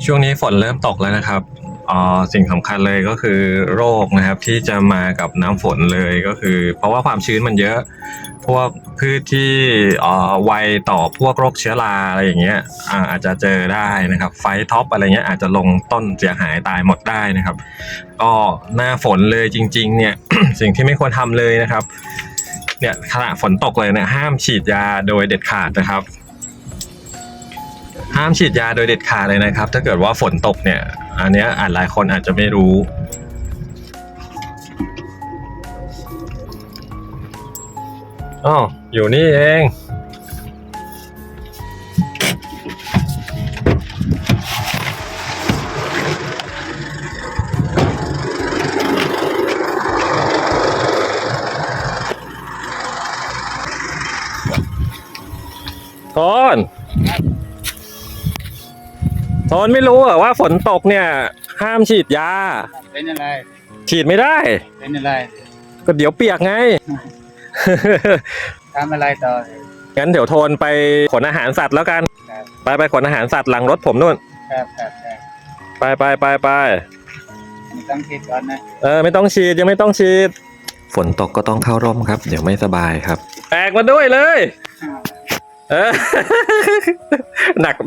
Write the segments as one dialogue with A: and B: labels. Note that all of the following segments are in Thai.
A: ช่วงนี้ฝนเริ่มตกแล้วนะครับสิ่งสำคัญเลยก็คือโรคนะครับที่จะมากับน้ำฝนเลยก็คือเพราะว่าความชื้นมันเยอะพวกพืชที่ไวต่อพวกโรคเชื้อราอะไรอย่างเงี้ยอาจจะเจอได้นะครับไฟท็อปอะไรเงี้ยอาจจะลงต้นเสียหายตายหมดได้นะครับก็หน้าฝนเลยจริงๆเนี่ย สิ่งที่ไม่ควรทำเลยนะครับเนี่ยขณะฝนตกเลยเนี่ยห้ามฉีดยาโดยเด็ดขาดนะครับห้ามฉีดยาโดยเด็ดขาดเลยนะครับถ้าเกิดว่าฝนตกเนี่ยอันเนี้ยหลายคนอาจจะไม่รู้อ๋ออยู่นี่เองโทนไม่รู้เหรอว่าฝนตกเนี่ยห้ามฉีดยา
B: เป็นอะไร
A: ฉีดไม่ได้
B: เป็นอะไร
A: ก็เดี๋ยวเปียกไง
B: ทำอะไรต่อ
A: งั้นเดี๋ยวโทนไปขนอาหารสัตว์แล้วกัน
B: ครับ
A: ไปขนอาหารสัตว์หลังรถผมนู่น
B: ครับ
A: ไป
B: ไม่ต้องคิดก่อนนะ
A: ไม่ต้องฉีดยังไม่ต้องฉีดฝนตกก็ต้องเข้าร่มครับเดี๋ยวไม่สบายครับแตกมาด้วยเลยหนัก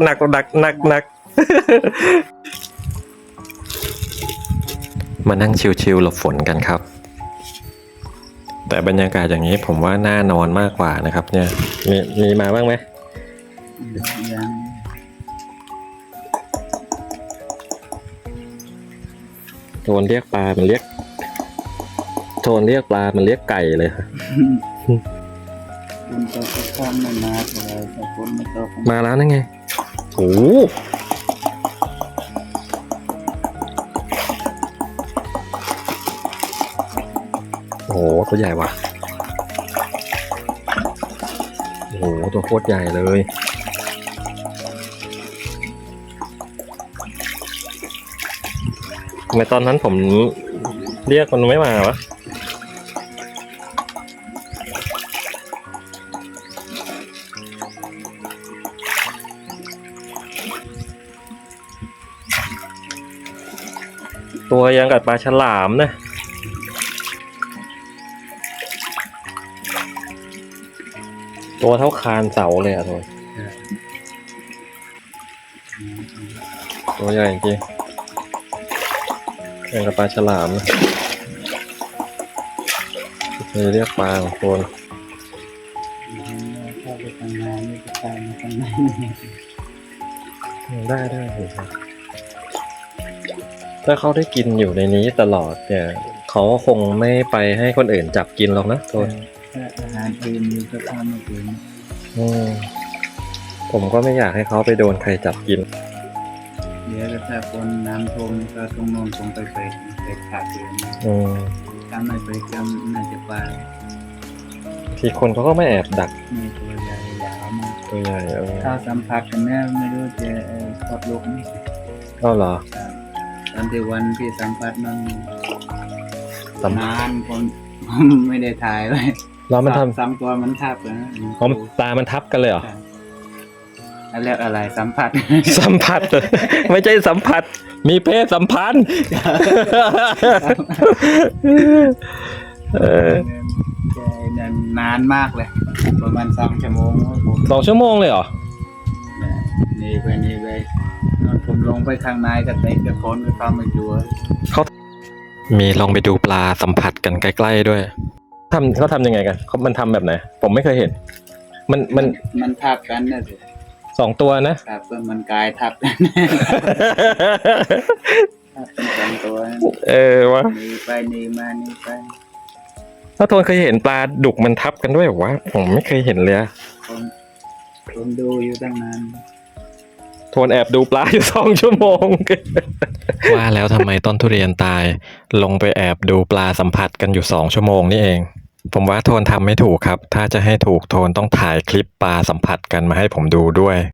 A: มานั่งชิวๆหลบฝนกันครับแต่บรรยากาศอย่างนี้ผมว่าน่านอนมากกว่านะครับเนี่ยมีมาบ้างไหม
B: ยัง
A: โทนเรียกปลามันเรียกโทนเรียกปลามันเรียกไก่เลยค่ะ
B: ฝนตกก็ข้ามไม่มาเลยแต่ฝนไม่ตก
A: มาแล้วนั่นไงโอ้โหตัวใหญ่ว่ะโอ้โหตัวโคตรใหญ่เลยทำไมตอนนั้นผมเรียกมันไม่มาวะตัวยังกับปลาฉลามนะตัวเท่าคานเสาเลยอะตัวใหญ่จริงยังกับปลาฉลามนะนี่เรียกปลาของคน
B: เข้าไปทางในนี่ก็ไปมาทางใน
A: ได้ครับถ้าเขาได้กินอยู่ในนี้ตลอดเนี่ยเขาคงไม่ไปให้คนอื่นจับกินหรอกนะโทน
B: อาหารอื่นมีก็ทำไม่ถึง
A: ผมก็ไม่อยากให้เขาไปโดนใครจับกิน
B: เดี๋ยวถ้าคนน้ำท่วมก็ต้องนอนคงไปขาดเลยถ้าไม่ไปก็น่าจะไป
A: ทีคนเขาก็ไม่แอบดัก
B: นี่ตัวใหญ่ยาวมาก
A: ตัวใหญ่
B: ถ้าสัมผัสกันแน่ไม่รู้จะคลอดลูกไหม
A: ก็เหรอ
B: ตอนที่วันที่สัมผัสมันนานคนไม่ได้ถ่ายไว้
A: เรามันทำ
B: ซ้ำตัวมันทับนะ
A: ตามันทับกันเลยเหรอ
B: เรียกอะไรสัมผัส
A: ไม่ใช่สัมผัสมีเพศสัมพันธ์
B: นานมากเลยประมาณ2 ชั่วโมง
A: 2 ชั่วโมงเลยเหรอ
B: นี่ไปผมลงไปข้างในกับเด็กกับคนก็เข้ามาดู
A: เขามีลองไปดูปลาสัมผัสกันใกล้ๆด้วยเขาทำยังไงกันมันทำแบบไหนผมไม่เคยเห็น
B: มันทับกันนะสิ
A: 2 ตัวนะครับ
B: มันกายทับกันทับเป็น2 ตัว
A: วะ
B: นี่ไปนี่มานี่ไป
A: ถ้าโทนเคยเห็นปลาดุกมันทับกันด้วยวะผมไม่เคยเห็นเลย
B: ผมดูอยู่ตั้งนาน
A: โทนแอบดูปลาอยู่2 ชั่วโมงว่าแล้วทำไมต้นทุเรียนตายลงไปแอบดูปลาสัมผัสกันอยู่2 ชั่วโมงนี่เองผมว่าโทนทำไม่ถูกครับถ้าจะให้ถูกโทนต้องถ่ายคลิปปลาสัมผัสกันมาให้ผมดูด้วย